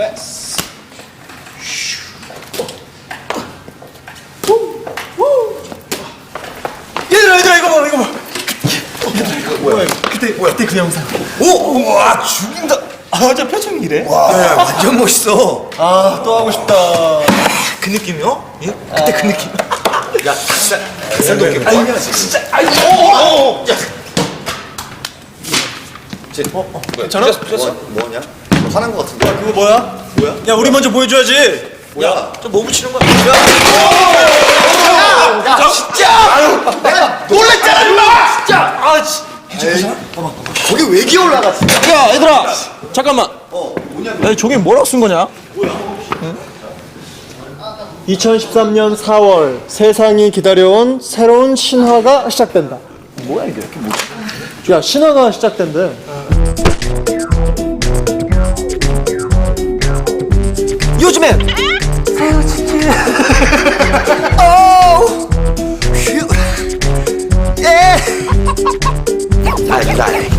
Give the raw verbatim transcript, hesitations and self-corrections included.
얘들아 얘들아 이거 봐 이거 봐. 얘들아 이거 뭐야? 그때 뭐야? 그때 그 영상. 오! 와 죽인다. 아 저 표정이 이래? 와 야, 완전 멋있어. 아 또 하고 싶다. 그 느낌이요? 예? 그때 그 느낌. 야 진짜 닭살도 이렇게 아니야 진짜. 아이 오. 야. 제, 어? 어? 괜찮아? 뭐, 뭐냐? 뭐 화난 거 같은데? 야, 그거 뭐야? 뭐야? 야 우리 먼저 보여줘야지. 뭐야? 저 뭐 붙이는 거야? 야, 야 진짜! 아유, 내가 놀랬잖아, 임마! 진짜! 아 씨. 괜찮아? 봐봐, 저게 왜 기어 올라가, 진짜? 야 얘들아 잠깐만. 어, 뭐냐? 야 저게 뭐라고 쓴 거냐? 이천십삼 년 사월 세상이 기다려온 새로운 신화가 시작된다. 뭐야 이게? 이게 뭐지? 야 신화가 시작된대. 요즘엔! 아유, 진짜. 어우! 휴. 예! 날, 날.